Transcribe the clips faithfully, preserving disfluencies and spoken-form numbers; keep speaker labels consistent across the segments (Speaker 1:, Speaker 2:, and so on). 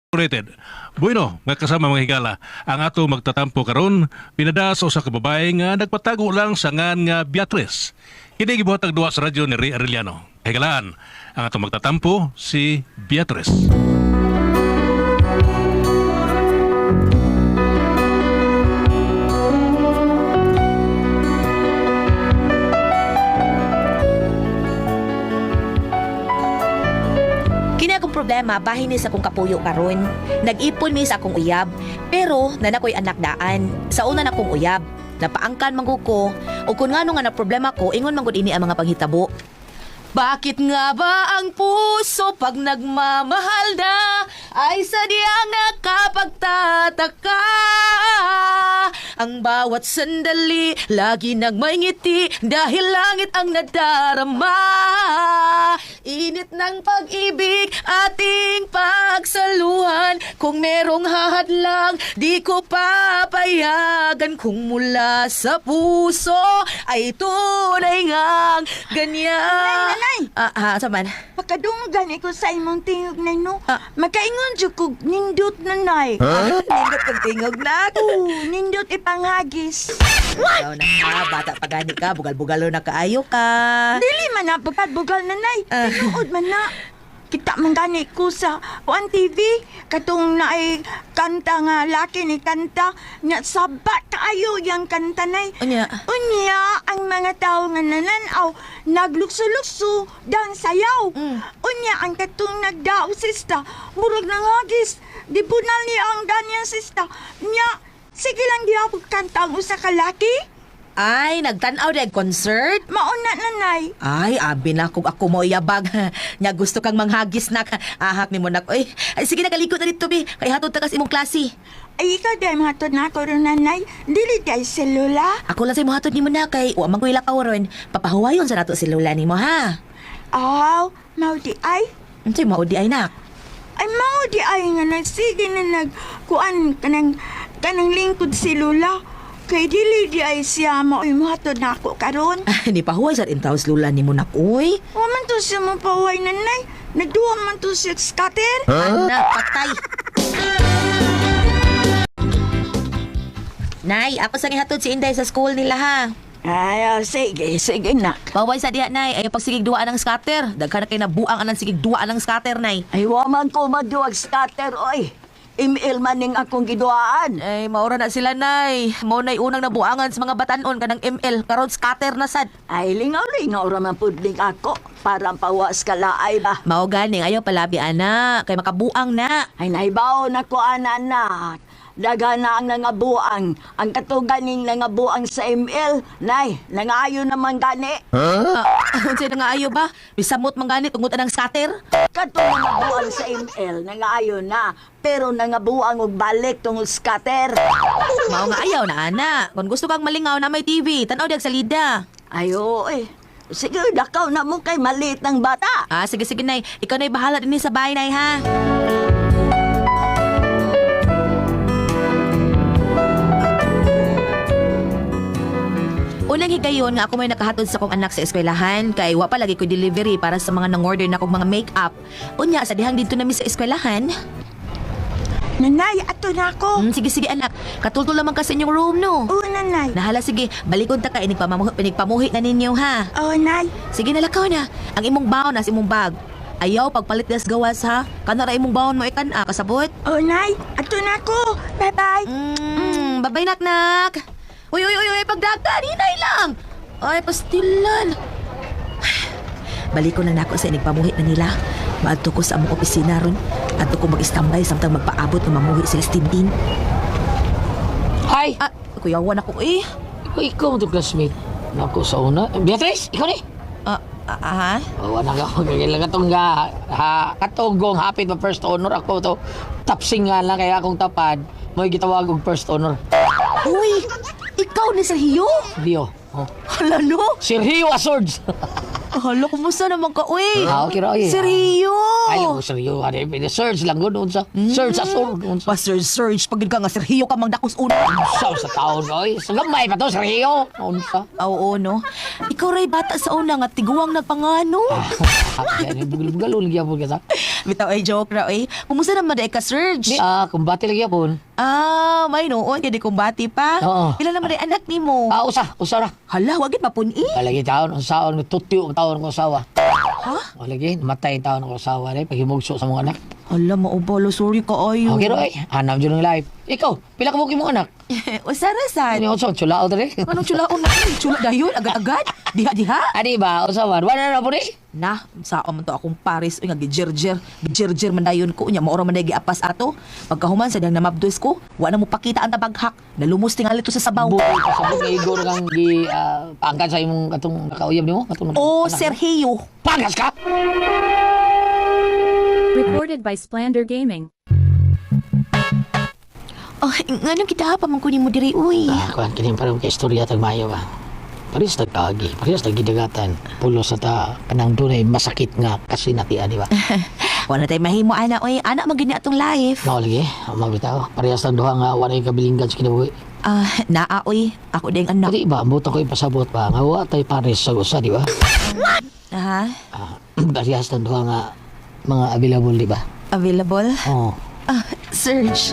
Speaker 1: Rated. Bueno, nga kasama mga higala, ang ato magtatampo karon pinada sa usa ka babae nga nagpatago lang sa ngan nga Beatrice. Kini gibuhatag duwa sa radyo ni Ray Arellano. Higalaan, ang ato magtatampo si Beatrice.
Speaker 2: Kini akong problema, bahin ni sa akong kapuyo karon. Nag-ipon mi sa akong uyab, pero nanakoy anak daan. Sa una na akong uyab, napaangkan man ko, o kung ngano nga na problema ko, ingon man gud ini ang mga panghitabo. Bakit nga ba ang puso pag nagmamahal na ay sadyang nakapagtataka? Ang bawat sandali lagi nagmaingiti dahil langit ang nadarama. Init ng pag-ibig ating pagsaluhan. Kung merong hahadlang di ko papayagan. Kung mula sa puso ay tunay ngang ganyan.
Speaker 3: Nanay!
Speaker 2: Ah, ah, saman?
Speaker 3: Pakadunggan iko sa imong tingog na no.
Speaker 2: Ah.
Speaker 3: Makaingon jud kog nindot nanay.
Speaker 2: Huh? Nindot kang tingog na.
Speaker 3: Oo, nindot ipanghagis.
Speaker 2: Ikaw na ka, bata pa gani ka, bugal-bugalo na kaayo ka.
Speaker 3: Dili man na pagbugal nanay.
Speaker 2: Ah.
Speaker 3: Tinuod man na. Kita man gani ko sa one T V katong na ay kanta nga laki ni kanta nya sabat kaayo yang kanta nay.
Speaker 2: Unya.
Speaker 3: Unya ang mga tao nga nananaw naglukso-lukso dang sayaw.
Speaker 2: Mm.
Speaker 3: Unya ang katong nagdao sista murag nangagis. Di punal niya ang ganyan sista. Nya sige lang diha kanta ang usa ka laki.
Speaker 2: Ay, nagtanaw na concert?
Speaker 3: Mauna nanay.
Speaker 2: Ay, abi na kung ako mo yabag. Nya gusto kang manghagis na ka. Ahak ni mo na ko. Ay, ay, sige na kalikot na dito, bi. Kay hatod ta kas imong klase.
Speaker 3: Ay, ikaw dahil mahatod na ako rin, nanay. Dili dahil selula.
Speaker 2: Ako lang sa imo hatod ni mo na kay wa man ko ila kaworon. Papahuwayon sa nato silula ni mo, ha?
Speaker 3: Aw, mau di ay.
Speaker 2: Unsay mao di ay nak?
Speaker 3: Ay, mau di ay nga nagsige na nagkuan kanang, kanang lingkod selula. Kay dili di ay siya mao'y mahatod na ako karon.
Speaker 2: Ah, di pahuway sa intaws lula ni mo nak, uy.
Speaker 3: Waman to siya mapaway, nanay. Nagduwa man to siya scatter.
Speaker 2: Anak, patay. Nay, ako sa gihatod si Inday sa school nila, ha?
Speaker 3: Ay, oh, sige, sige na.
Speaker 2: Paway sa diha, nay. Ay pagsigig duwa ng scatter. Daghan na kay nabuang anang sigig duwa ng scatter, nay.
Speaker 4: Ay, waman ko maduwag scatter, oy. Email man ning akong giduaan.
Speaker 2: Ay, maura na sila, nay. Mao na'y unang nabuangan sa mga batanon kanang M L. Karon scatter na sad.
Speaker 4: Ay, lingaw-lingaw raman pudling ako. Parang pawas kalaay ba?
Speaker 2: Mao ganing ayaw palabi, ana. Kay makabuang na.
Speaker 4: Ay, naibaw na ko, anak. Daga na ang nangabuang. Ang katuganing nangabuang sa M L. Nay, nangayo naman gani.
Speaker 2: Ah, unsay na nga ayaw ba? Bisamot man ganit ungot anang scatter.
Speaker 4: Katong nangabuang sa M L, nangayo na. Pero nangabuang og balik tungod scatter.
Speaker 2: Mao nga ayaw na, ana. Kung gusto kang malingaw na may T V, tanaw diag salida.
Speaker 4: Ayo, eh. Sige, dakaw na mo kay maliit ng bata.
Speaker 2: Ah, sige sige, nay. Ikaw na'y bahala din sa bahay, nay, ha? Unang higayon nga ako may nakahatod sa kong anak sa eskwelahan kay wa pa lagi ko delivery para sa mga nang-order na kong mga make-up. Unya, sa dihang dito namin sa eskwelahan.
Speaker 3: Nanay, ato na ako.
Speaker 2: Hmm, sige sige anak, katultol lamang ka sa inyong room, no?
Speaker 3: Oo, nanay.
Speaker 2: Nahala sige, balikon ta ka, inigpamuhi, pinigpamuhi na ninyo, ha?
Speaker 3: Oo, nay.
Speaker 2: Sige nalakaw na, ang imong baon na sa imong bag. Ayaw, pagpalit das gawas, ha? Kanara imong baon mo ikan, ah, kasabot?
Speaker 3: Oo, nay. Ato na ako. Bye-bye.
Speaker 2: Mm, babay nak-nak. Uy, uy, uy, uy, pagdagan, hinay lang. Ay, pastilan. Balik ko na nako sa inigpamuhi na nila. Maadto ko sa among opisina ron. Adto ko mag-istambay samtang magpaabot ng mamuhi sila Tintin.
Speaker 5: Hi!
Speaker 2: Ah, kuyawan ako eh.
Speaker 5: Ikaw, ikaw mo itong classmate. Naku, sa una. Beatrice, ikaw ni?
Speaker 2: Ah, ah, ha?
Speaker 5: Oo, anak ako. Kailangan katong nga. Ha, katugong hapit na first honor. Ako to, tapsing nga lang kaya akong tapad. May gitawag og first honor.
Speaker 2: Uy, ikaw ni Sergio?
Speaker 5: Rio. Oh.
Speaker 2: Hala no?
Speaker 5: Sergio Asords.
Speaker 2: Hala, kumusta naman ka, uy?
Speaker 5: Ah, okay ra, oy.
Speaker 2: Seryo?
Speaker 5: Ay, ako seryo. Ano, search lang gud unsa. Search sa sur unsa.
Speaker 2: Pa Sir Serge, pag ka nga seryo ka mang dakos una.
Speaker 5: Unsa sa taon oy. Sa gamay pa to seryo. Unsa.
Speaker 2: Oo, no? Ikaw ray bata sa una nga tiguang nagpangano.
Speaker 5: Yan bugal-bugal lagi po kita.
Speaker 2: Bitaw ay joke ra, uy. Kumusta naman day ka, Serge?
Speaker 5: Di ah, kumbati lagi po.
Speaker 2: Ah, may noon, kaya di kumbati pa.
Speaker 5: Oo.
Speaker 2: Pila naman day anak ni mo?
Speaker 5: Ah, usa, usa ra.
Speaker 2: Hala, wagit mapuni.
Speaker 5: Lagi taon unsaon tutyo ang taon ko sawa.
Speaker 2: Ha?
Speaker 5: O lagi matay ang taon ko sawa rin paghimugso sa mga anak.
Speaker 2: Hala, maubalo, sorry ka ayo.
Speaker 5: Okay roy. Hanap jud ng life. Ikaw, pila ka mo imong anak?
Speaker 2: Usarasan.
Speaker 5: Ano unsa chulao dre?
Speaker 2: Anong chulaon na? Chula dayon, agad-agad. Diha-diha.
Speaker 5: Adi ba usawan? Wala na po ni.
Speaker 2: Na, sa man to akong Paris, uy nga gijerjer, gijerjer man dayon ko, nya maoro man day giapas ato. Pagkahuman sa dang namabdos ko, wa na mo pakita ang tabaghak. Nalumos tingali to sa sabaw.
Speaker 5: Buhay ka sa buhay igor kang gi ah, paangkat sa imong katong nakauyab nimo, katong
Speaker 2: Oh,
Speaker 5: anak mo.
Speaker 2: Sergio.
Speaker 5: Pangas ka.
Speaker 6: Recorded by Splander Gaming.
Speaker 2: Oh, ngano kita pa man kunin mo diri uy.
Speaker 5: Ah, kuan kini parang kay istorya tag mayo ba. Paris tagkagi, paris tagidagatan. Pulo sa ta kanang dunay masakit nga kasi natian di ba?
Speaker 2: Wala tay mahimo ana uy, ana magini atong life.
Speaker 5: Mao lagi, mabitaw. Parehas tang duha nga walay kabilinggan sa kinabuhi.
Speaker 2: Ah, naa uy, ako ding anak.
Speaker 5: Dili ba buto ko ipasabot ba nga wa tay pares sa usa di ba?
Speaker 2: Ha?
Speaker 5: Ah, parehas tang duha nga mga available di ba?
Speaker 2: Available?
Speaker 5: Oh.
Speaker 2: Ah, Serge.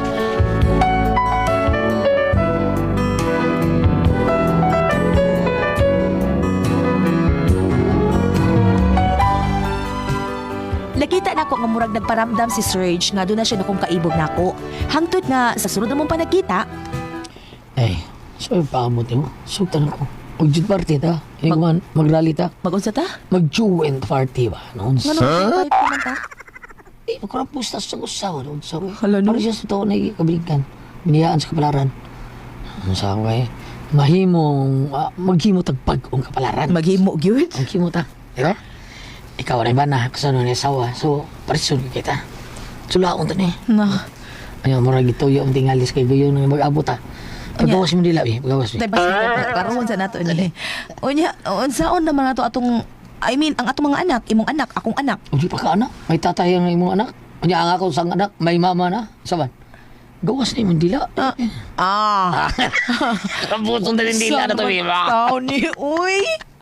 Speaker 2: Nakita na ko nga murag nagparamdam si Serge nga doon na siya nakong kaibog nako. Hangtod nga sa sunod na mong panagkita,
Speaker 5: Eh, so paamot mo. Sugtan ako. Magjud party ta. Ini man magrally ta.
Speaker 2: mag-unsa ta?
Speaker 5: Mag-joint party ba? Noon
Speaker 2: Nga nung huh? man ta?
Speaker 5: Eh, magkarapos ta sa usawa. Noon sa
Speaker 2: Hala, no?
Speaker 5: Para siya sa taon na ikabilingkan. Biniyaan sa kapalaran. Ano sa ako eh? Mahimong, ah, maghimo tagpag ang kapalaran.
Speaker 2: Maghimo gyud.
Speaker 5: Maghimo ta. Diba? Ikaw rin ba na kasano ni asawa? So, paresun kita. Sulaon ta ni.
Speaker 2: Na.
Speaker 5: Ayaw, mura gituyo ang tingalis kay Guyo nang mag-abot ta. Pagawas mo nila, eh. Pagawas mo.
Speaker 2: Tay basta karon sa nato ni. Unya, unsaon naman nato atong I mean, ang atong mga anak, imong anak, akong anak.
Speaker 5: O di pa ka anak? May tatay ang imong anak? Kanya ang ako sang anak, may mama na. Saban? Gawas na imong dila.
Speaker 2: Ah. ah.
Speaker 5: Kaputong na rin dila na to, eh.
Speaker 2: Tao ni uy.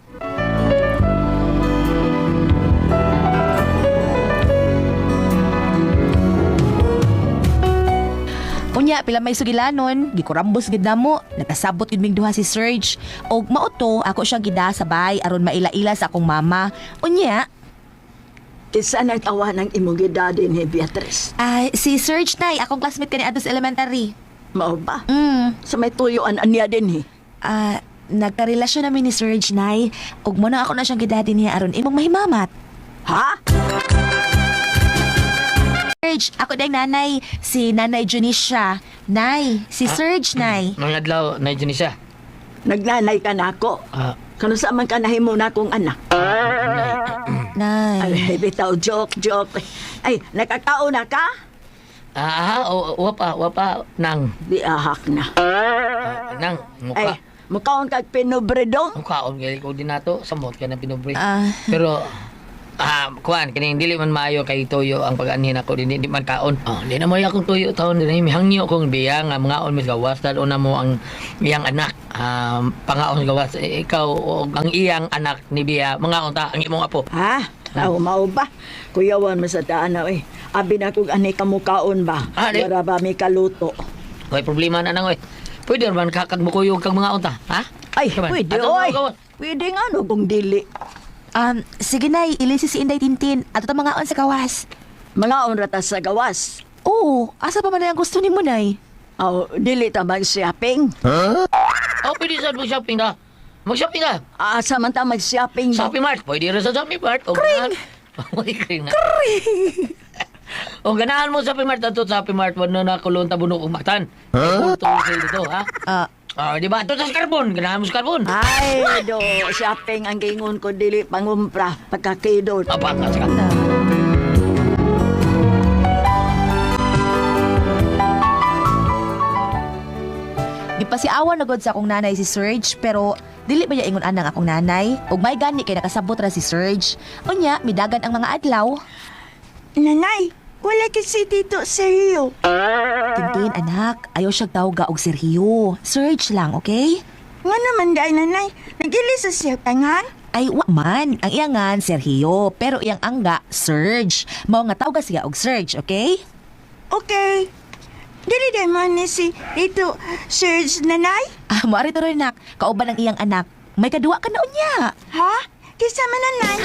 Speaker 2: Unya, pila may sugilanon, gikurambos gid namo, nakasabot gid ming duha si Serge. Og mauto, ako siya gida sabay aron maila-ila sa akong mama. Unya,
Speaker 4: Isa nag-awa ng imong gidadi ni Beatrice.
Speaker 2: ah si Serge nay, akong classmate kani adto sa elementary.
Speaker 4: Mao ba?
Speaker 2: Mm.
Speaker 4: Sa may tuyuan aniya din, eh.
Speaker 2: Ah, nagkarelasyon namin ni Serge nay, ug mo na ako na siyang gidadi niya aron imong mahimamat.
Speaker 4: Ha?
Speaker 2: Serge, ako dahil nanay, si Nanay Junicia. Nay, si Serge, nay.
Speaker 5: Mga adlaw, na dyan siya.
Speaker 4: Nagnanay ka na ako.
Speaker 5: Ah,
Speaker 4: Kano sa man ka nahimo na akong anak?
Speaker 2: Nay.
Speaker 4: Ay, bitaw, joke, joke. Ay, nakakao na ka?
Speaker 5: ah, o, wapa, wapa, nang,
Speaker 4: Di ahak na.
Speaker 5: ah, nang,
Speaker 4: Ay,
Speaker 5: mukha.
Speaker 4: mukaon kag pinubredong?
Speaker 5: Mukhaon, kaya ko din nato, samot ka na pinubre.
Speaker 2: Ah.
Speaker 5: Pero, ah, kuan, kini dili man maayo kay tuyo ang pag-anhin ako, di, di man kaon. Oh, di na mo akong tuyo taon, di na mihangyo kong biya nga mga on mis gawas, dahil una mo ang iyang anak, um, pangaon gawas, eh, ikaw, o ang iyang anak ni biya, mga on ta, ang imong apo.
Speaker 4: Ha? Tao mao ba? Kuyawan mo sa taanaw eh. Abi na kung ani kamukaon ba?
Speaker 5: Ah, di.
Speaker 4: Para ba may kaluto?
Speaker 5: May problema na nang, oy. Pwede naman kakagmukuyog kang mga on ta, ha?
Speaker 4: Ay,
Speaker 5: Kaman,
Speaker 4: pwede,
Speaker 5: atong
Speaker 4: oy.
Speaker 5: mga gawas.
Speaker 4: Pwede nga no kung dili.
Speaker 2: Um, sige nay, ilisi si Inday Tintin. Ato ta mga on sa kawas.
Speaker 4: Mga onrata sa gawas.
Speaker 2: Oo, asa pa man na ang gusto ni mo, nay?
Speaker 4: Aw, dili ta mag-shopping.
Speaker 5: Oh, pwede sa mag-shopping na. Mag-shopping na.
Speaker 4: Asa man ta mag-shopping ba?
Speaker 5: Shopping Mart. Pwede rin sa Shopping Mart. O Kring! Uy, kring na. Kring! O ganahan mo sa Shopping Mart. Ato sa Shopping Mart. Wano na kulong tabunok umatan. Huh? Kulto sa'yo dito, ha?
Speaker 2: Ah,
Speaker 5: Ah, di ba? Ato sa Scarbon. Ganahan mo sa Scarbon.
Speaker 4: Ay, do, shopping ang gingon ko dili pangumpra pagkakidot.
Speaker 5: Apakas ka.
Speaker 2: gipasiawan na gud sa akong nanay si Serge, pero dili ba ya ingon anang akong nanay? Ug may gani kay nakasabot ra si Serge. Unya, midagan ang mga adlaw.
Speaker 3: Nanay, wala kasi dito seryo.
Speaker 2: Tintin, anak, ayaw siyang tawag og Sergio. Serge lang, okay?
Speaker 3: Nga naman dahil nanay, nagili sa siya tangan.
Speaker 2: Ay, wa man. Ang iyangan, Sergio. Pero iyang angga, Serge. Mao nga tawag siya og Serge, okay?
Speaker 3: Okay. Dili dahil man ni si dito, Serge nanay?
Speaker 2: Ah, maari to rin, nak. Kauban ang iyang anak. May kadua ka na unya.
Speaker 3: Ha? Kisa man nanay?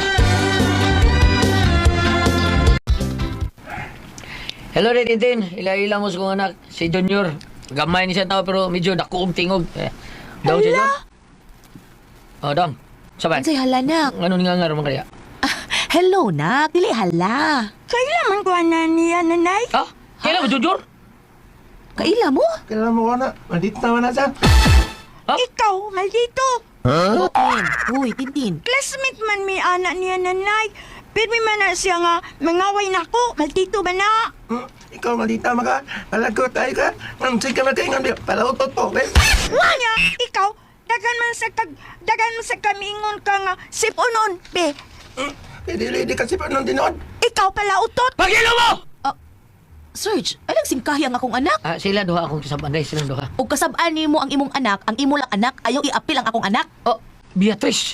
Speaker 5: Hello, Red Tintin. Ila-ila mo sa kong anak, si Junior. Gamay ni siya tao pero medyo dakuong tingog. Eh, daw siya
Speaker 3: Hala?
Speaker 5: dyan? Oh, dong. Sabay.
Speaker 2: Ansay hala, nak.
Speaker 5: Ano nga nga naman kaya?
Speaker 2: Ah, hello, nak. Dili hala.
Speaker 3: Kailan man ko na niya nanay?
Speaker 5: Ha? Kailan mo, Junior?
Speaker 2: Kaila mo?
Speaker 7: Kailan mo ko na? Maldito naman na siya.
Speaker 5: Ha?
Speaker 3: Ikaw, maldito.
Speaker 2: Tintin. Uy, Tintin.
Speaker 3: Classmate man mi anak niya nanay. Pero may man na siya nga mangaway na ko. Maldito ba na?
Speaker 7: Hmm, ikaw maldita maka. Palagot tayo ka. Ang sige na kayo nga. Palautot po. Okay?
Speaker 3: Wanya, ikaw, dagan man sa kag, dagan man sa kamingon ka nga sipunon, be.
Speaker 7: Hmm, hindi kasi pa nung dinod.
Speaker 3: Ikaw pala utot.
Speaker 5: Pagilo mo!
Speaker 2: Serge, ay nagsingkahi ang akong anak.
Speaker 5: Ah, sila duha akong kasabanday, silang duha.
Speaker 2: Ug kasab-an nimo ang imong anak, ang imo lang anak, ayaw iapil ang akong anak.
Speaker 5: Oh, Beatrice.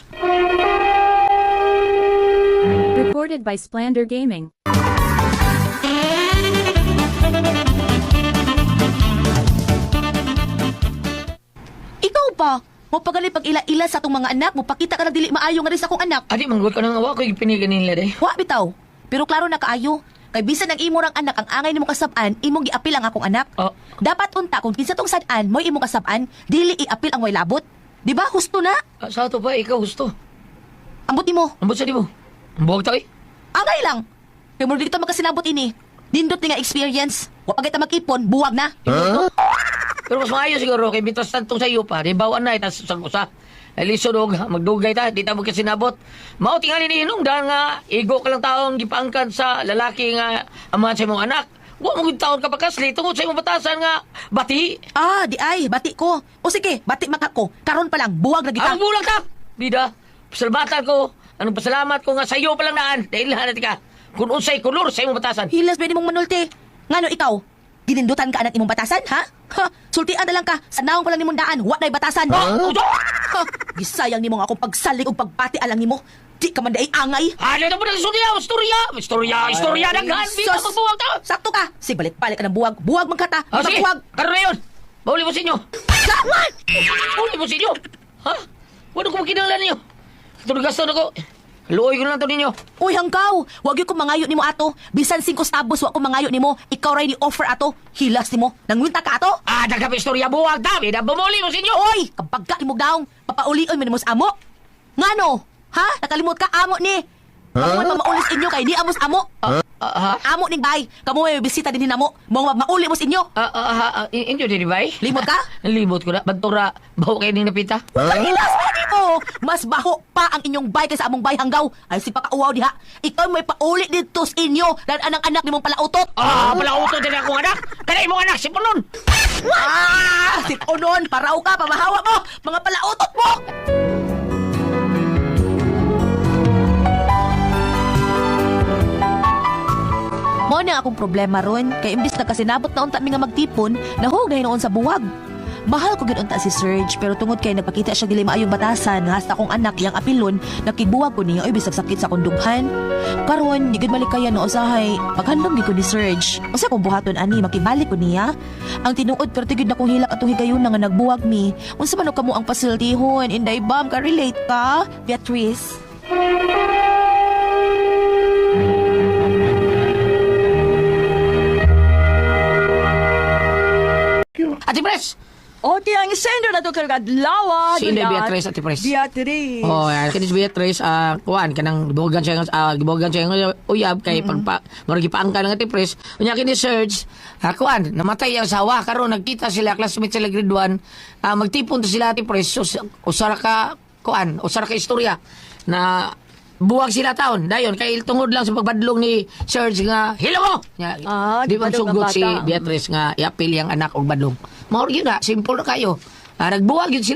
Speaker 6: Recorded by Splander Gaming.
Speaker 2: Ikaw pa, mo pagali pag ila-ila sa atong mga anak, mo pakita ka na dili maayo nga rin sa akong anak.
Speaker 5: Adi, manggut ka nang awa ko, ipinigan nila day.
Speaker 2: Wa bitaw. Pero klaro na kaayo. Kay bisan ang imo rang anak ang angay nimo kasab-an, imong giapil ang akong anak.
Speaker 5: Oh.
Speaker 2: Dapat unta kung kinsa tong sad-an mo imong kasab-an, dili iapil ang way labot. Di ba? Husto na.
Speaker 5: Ah, sa ato pa, ikaw gusto.
Speaker 2: Ambot nimo.
Speaker 5: Ambot sa di mo. Ambuag tayo eh.
Speaker 2: Angay lang. Kay mo dito magkasinabot ini. Nindot ni nga experience. Wa pa kita mag-ipon, buwag na.
Speaker 5: Pero mas maayo siguro, kay mitas tantong sa iyo pa, di bawaan na, itas sa usa. Ay lisod og magdugay ta, di ta mo kasi nabot. Mao tingali ni hinungdan nga igo ka lang taong gipaangkan sa lalaki nga amahan sa imong anak. Wa mo gud taon ka pakasli tungod sa imong batasan nga bati.
Speaker 2: Ah, di ay, bati ko. O sige, bati maka ko. Karon pa lang, buwag na kita.
Speaker 5: Ang bulag ta. Bida, pasalamatan ko. Anong pasalamat ko nga sa iyo pa lang naan. Dahil hanat ka. Kung unsay kulor sa imong batasan.
Speaker 2: Hilas ba mong manulti? Ngano ikaw? Ginindutan ka anak imong batasan, ha? Ha? Sultian na lang ka. Sa naong pa lang nimong daan, wa na'y batasan.
Speaker 5: Oh, uto!
Speaker 2: Ha? Gisayang nimong akong pagsalig o pagpati alang nimo. Di ka man day angay.
Speaker 5: Ano na po na istorya? Istorya! Istorya! Istorya! Naghan! Di ka
Speaker 2: sus.
Speaker 5: magbuwag ta!
Speaker 2: Sakto ka. Sige, balik-balik ka ng buwag. Buwag man ka ta.
Speaker 5: Ah, sige!
Speaker 2: Buwag.
Speaker 5: Karoon na yun! Bauli mo sa inyo!
Speaker 2: Lawan!
Speaker 5: Bauli mo sa inyo! Ha? Wala ko makinala ninyo! Ito gaston ako! Luoy ko lang ito ninyo!
Speaker 2: Uy, hanggaw. Wag yung kumangayo nimo ato. Bisan singko stabos wa kumangayo nimo. Ikaw ray ni offer ato. Hilas nimo. Nangwinta ka ato?
Speaker 5: Ah, nagkap istorya buwag ta! Bida, bumuli mo sa inyo!
Speaker 2: Oy, kapag ka imog daong, papaulion mo nimo sa amo. Ngano? Ha? Nakalimot ka amo ni. Kamu may mamaulis inyo kay di amos amo.
Speaker 5: Ah, ah, ha?
Speaker 2: Amo ning bay. Kamu may bisita din namo. Mo mauli mo sa inyo.
Speaker 5: Ah, ah, ah, ah, inyo din ba eh?
Speaker 2: Limot ka?
Speaker 5: Limot ko na. Bantura, baho kayo ning napita.
Speaker 2: Pahilas mo nimo. Mas baho pa ang inyong bay kaysa among bay hanggaw. Ay si pakauaw diha. Ikaw may pauli dito sa inyo. Dan anang anak nimong palautot.
Speaker 5: Ah, pala uto din akong anak! Kaya imong anak, si Punon!
Speaker 2: Ah! Sitonon, paraw ka, pamahawa mo. Mga palautot mo. Mo na akong problema ron, kay imbis na kasi nabot na unta mi nga magtipon, nahugay noon sa buwag. Mahal ko ginunta si Serge, pero tungod kay nagpakita siya dili maayong batasan, hasta akong anak yang apilon, nakigbuwag ko niya, oy bisag sakit sa akong dughan. Karon, di gid malikayan no usahay, paghandom gi ko ni Serge. Usa kong buhaton ani makibalik ko niya. Ang tinuod pero tigid na kong hilak atong higayon nga nagbuwag mi. Unsa man og kamo ang pasiltihon, inday bam ka relate ka, Beatrice?
Speaker 5: Ate Pres!
Speaker 4: O, ti ang sender na to kargadlawa.
Speaker 5: Si Inday Beatrice, Ate Pres.
Speaker 4: Beatrice.
Speaker 5: Oh, yan. Kani si Beatrice, ah, kuhan, kanang gibuhagan siya, ah, gibuhagan siya ng uyab, kay pagpa, maragi paangka ng Ate Pres. Kunya kini Serge, ah, kuhan, namatay ang asawa, karon nagkita sila, classmate sila grade one, ah, magtipon to sila Ate Pres, so, usara ka, kuhan, usara ka istorya, na buwag sila taon. Dayon, kay tungod lang sa pagbadlong ni Serge nga, hilo mo! Nya,
Speaker 4: Ah,
Speaker 5: di man
Speaker 4: badlong
Speaker 5: sugot
Speaker 4: ang
Speaker 5: si
Speaker 4: bata.
Speaker 5: Beatrice nga, iapil yung anak o badlong. Maor yun na, simple na kayo. Ah, nagbuwag yun sila.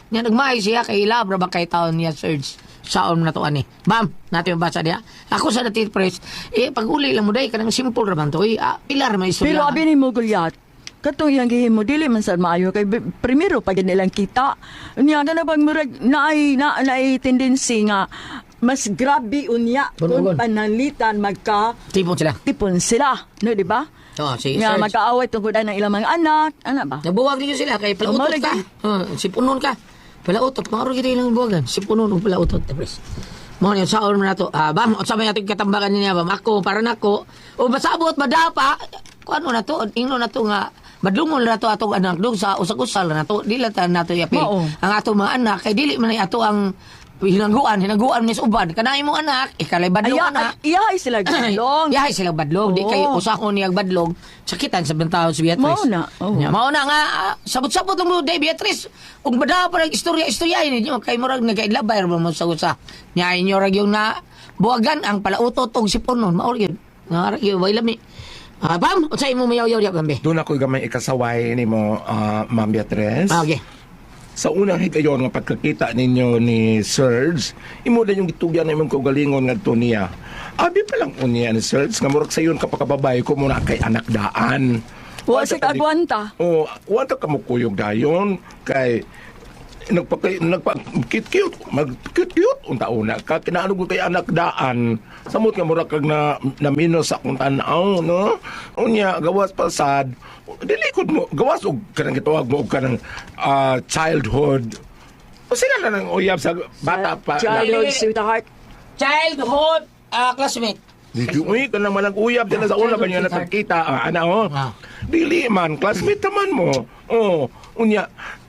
Speaker 5: Nga nagmahay siya kay labra ba kay taon niya Serge. Saon na to ani. Bam, natin mabasa diha. Ako sa dati press, eh pag uli lang mo day kanang simple ra man to. Eh, ah, pilar may istorya.
Speaker 3: Pero abi ni mo Goliath, katong iyang gihimo dili man sad maayo kay bi- primero pag nilang kita. Unya na bang murag naay na naay tendency nga mas grabe unya
Speaker 5: Bunugon.
Speaker 3: kung panalitan magka
Speaker 5: Tipon sila.
Speaker 3: tipon sila, no di ba?
Speaker 5: Oh, si
Speaker 3: Nga
Speaker 5: Serge.
Speaker 3: magkaaway tungkol ng ilang mga anak, ana ba?
Speaker 5: Nabuwag niyo sila kay palautot
Speaker 3: Umalig
Speaker 5: ka.
Speaker 3: eh.
Speaker 5: Oh, si punon ka. Palautot, maro gid ilang buwagan. Si punon ug palautot te pres. Mo ni saon man nato. Ah, bam, unsa may atong katambakan niya bam? Ako para nako. O masabot madapa. Kuno na to, ingno na to nga madlungol na to atong anak dog sa usag-usal na to. Dili ta nato yapil.
Speaker 3: Mao.
Speaker 5: Ang atong mga anak kay dili man ay ato ang hinaguan, hinaguan ni sa uban. Kanay mo anak, ikalay badlong
Speaker 3: Aya,
Speaker 5: anak.
Speaker 3: iya ay sila gulong.
Speaker 5: Yahay sila badlog, di
Speaker 3: Oo.
Speaker 5: kayo usakon niyag badlog, sakitan sa bentaw si Beatrice.
Speaker 3: Mao na, oo.
Speaker 5: Yeah, mao na nga, ah, sabot-sabot mo day Beatrice. Ug bada pa ng istorya-istorya ninyo kay murag nagailabay ra mo sa usa. Nya inyo ra yung na buwagan ang palautot og sipon nun, mao gyud. Nga ra gyud way lami. Ah, bam, unsay mo mayaw-yaw diya gambe?
Speaker 7: Doon ako gamay ikasaway ni mo, ah, Ma'am Beatrice.
Speaker 5: Ah, okay.
Speaker 7: Sa unang higayon nga pagkakita ninyo ni Serge, imo na yung gitugyan na imong kaugalingon ngadto niya. Abi pa lang unya ni Serge nga murag sayon kapakababay ko muna kay anak daan.
Speaker 3: Wa sa kagwanta.
Speaker 7: Oh, wala ka mo kuyog dayon kay nagpakay nagpa cute mag cute unta una ka kinaano kay anak daan samot nga mura kag na naminos sa akong tan-aw no unya gawas pasad dili kod mo gawas og kanang gitawag mo og kanang ah, childhood o sila na nang uyab sa bata pa
Speaker 3: Childhood sweetheart.
Speaker 5: Childhood ah, classmate.
Speaker 7: Dili uy kanang malang uyab dala sa una ba niya nakakita ah, ana oh
Speaker 5: Ah.
Speaker 7: dili man classmate naman mo oh unya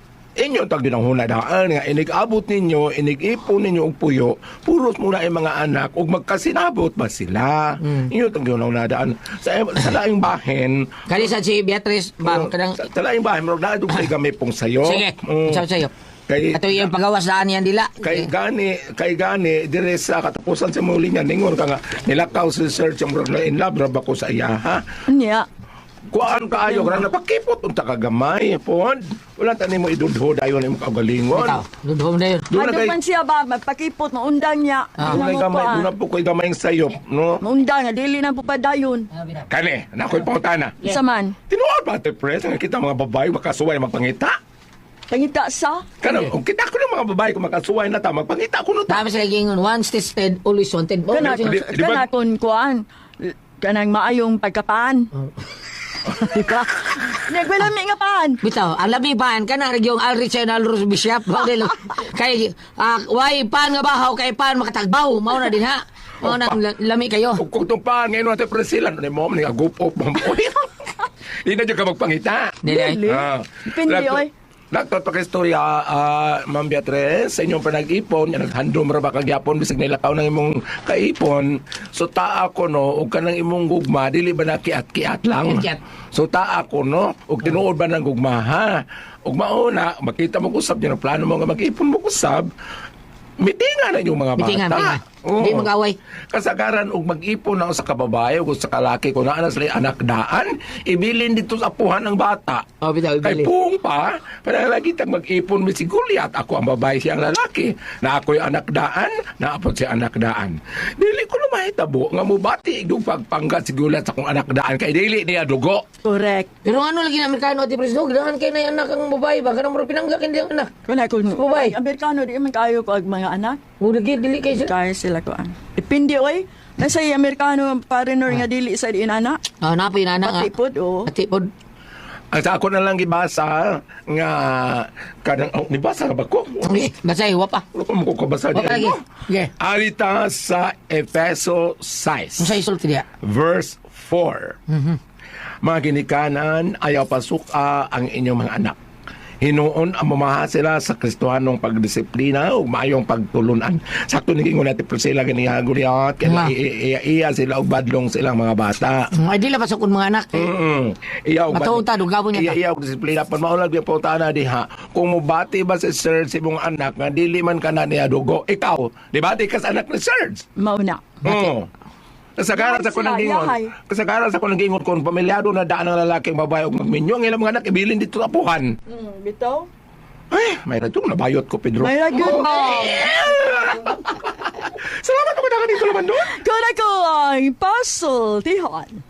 Speaker 7: inyo tag din ang hunadaan nga inig-abot ninyo, inig-ipon ninyo og puyo, puros muna ay mga anak ug magkasinabot ba sila.
Speaker 5: Mm.
Speaker 7: Inyo tag din ang hunadaan sa sa laing bahin.
Speaker 5: Kali sa si Beatrice, bam,
Speaker 7: oh,
Speaker 5: kadang
Speaker 7: sa, sa laing bahin mo na dug kay gamay pong sayo.
Speaker 5: sige.
Speaker 7: Oh,
Speaker 5: Sayo sayo.
Speaker 7: kay
Speaker 5: Ato yung pagawas daan yan dila.
Speaker 7: kay gani kay gani dire sa katapusan sa muli niya ningon ka nga nilakaw si search ang na in love ra ba ko sa iya ha.
Speaker 3: Unya.
Speaker 7: Kuan kaayo ra napakipot unta ka gamay pod. Wala tani mo idudho dayon imong kaugalingon.
Speaker 5: Ikaw, dudhom na yun.
Speaker 7: Doon na
Speaker 3: Ano
Speaker 7: kay
Speaker 3: man siya ba, magpakipot, maundang niya.
Speaker 5: Ah.
Speaker 7: doon na gamay, doon na po ko'y gamay sayop, no?
Speaker 3: Maundang nga, dili na po padayon.
Speaker 7: Kani, nako'y pautana.
Speaker 3: Sa man,
Speaker 7: Tinuod ba ate pres, nga kita mga babae makasuway magpangita?
Speaker 3: pangita sa,
Speaker 7: Kana, kung kita ko ng mga babae kung makasuway na ta, magpangita ko no ta.
Speaker 5: Dami sila gingon, once tested, always wanted. Oh,
Speaker 3: kana,
Speaker 7: di- di ba-
Speaker 3: kana kung kuan, kanang maayong pagkapaan. Di ba? Nagwalami nga paan.
Speaker 5: Bitaw, alam mi pan ka na yung Alricenal Rose Bishop. Model. Kay ah, way pan nga bahaw kay pan makatagbaw. Mao na din ha. Mao na la- lami kayo.
Speaker 7: Kung kung itong pa, ngayon ate pres sila, ano mo, mga gupop, mampoy. Hindi na dyan ka magpangita.
Speaker 5: Dili.
Speaker 3: Dili.
Speaker 7: Ah.
Speaker 3: Depende,
Speaker 7: Nagto-
Speaker 3: oy.
Speaker 7: Nagtot pa kay istorya, ah, Ma'am Beatrice, sa inyong panag-ipon, yan, naghandom ra ba kagyapon, bisag nilakaw ng imong kaipon, so taa ko, no, o kanang imong gugma, dili ba na kiat-kiat lang?
Speaker 5: Kiat-kiat.
Speaker 7: So taa ko, no, o tinuod ba ng gugma, ha? O mauna, makita mo kusab, yun ang plano mo nga mag-ipon mo kusab, mitinga na yung mga bata.
Speaker 5: Mitingan, mitingan.
Speaker 7: Oo.
Speaker 5: Hindi mag-away.
Speaker 7: Kasagaran og mag-ipon na sa kababae o sa kalaki kung naa na sila anak daan, ibilin dito sa apuhan ng bata.
Speaker 5: Oh, bitaw,
Speaker 7: Kay
Speaker 5: ibili.
Speaker 7: Pung pa, panalagi tag mag-ipon mi si Guliat. Ako ang babae, siya ang lalaki. Na ako'y anak daan, naapot si anak daan. Dili ko na mahitabo nga mubati igdong pagpanggat si Guliat sa akong anak daan kay dili niya dugo.
Speaker 3: Correct.
Speaker 5: Pero ano lagi na Amerikano at Presidente, ganahan kayo na yung anak ang babae ba? Kanang mura pinanggak hindi ang anak.
Speaker 3: Kuna kung,
Speaker 5: Babay.
Speaker 3: Amerikano, di man kayo ko ag mga anak.
Speaker 5: O lagi, dili kayo sa...
Speaker 3: Kaya sila ko ang. Depende, oy. Nasa yung Amerikano, parinor nga dili sa di anak.
Speaker 5: Ah, napoy na anak.
Speaker 3: Pati pod, oh.
Speaker 5: Pati pod.
Speaker 7: Ang sa ako na lang gibasa nga kanang oh, nibasa ba ko?
Speaker 5: Okay, basay, wapa.
Speaker 7: Ano ko mo kabasa
Speaker 5: Wapa lagi. Okay.
Speaker 7: Alita sa Efeso six.
Speaker 5: Masay isulti diya.
Speaker 7: Verse four. Mga ginikanan, ayaw pasuka ang inyong mga anak. Hinuon ang mamaha sila sa Kristohanong pagdisiplina o mayong pagtulunan. Sakto naging natin po sila ganihaguliat, kaya
Speaker 5: Nga.
Speaker 7: iya sila o badlong silang mga bata.
Speaker 5: Ay, di lang pasukon mga anak.
Speaker 7: Mm. Iya og
Speaker 5: Matuta, dugabon niya
Speaker 7: Iya
Speaker 5: ta.
Speaker 7: iya og disiplina pan maulag yung pautana diha. Kung mubati ba si Sir si mong anak nga dili man kana niya dugo, ikaw, di ba di ka sa anak ni Sir?
Speaker 3: Mauna.
Speaker 7: Oo. Kasagaran sa
Speaker 3: Yahay
Speaker 7: kunang
Speaker 3: sila,
Speaker 7: gingon.
Speaker 3: yahay.
Speaker 7: Kasagaran sa kunang gingon kung pamilyado na daan ng lalaking babae ug magminyo ang ilang mga anak ibilin dito sa apuhan.
Speaker 3: Hmm, bitaw?
Speaker 7: Ay, may radyo, nabayot ko, Pedro.
Speaker 3: May ragyod mo.
Speaker 7: Salamat naman na kanito naman doon.
Speaker 3: Kung ako ang puzzle, Tihon.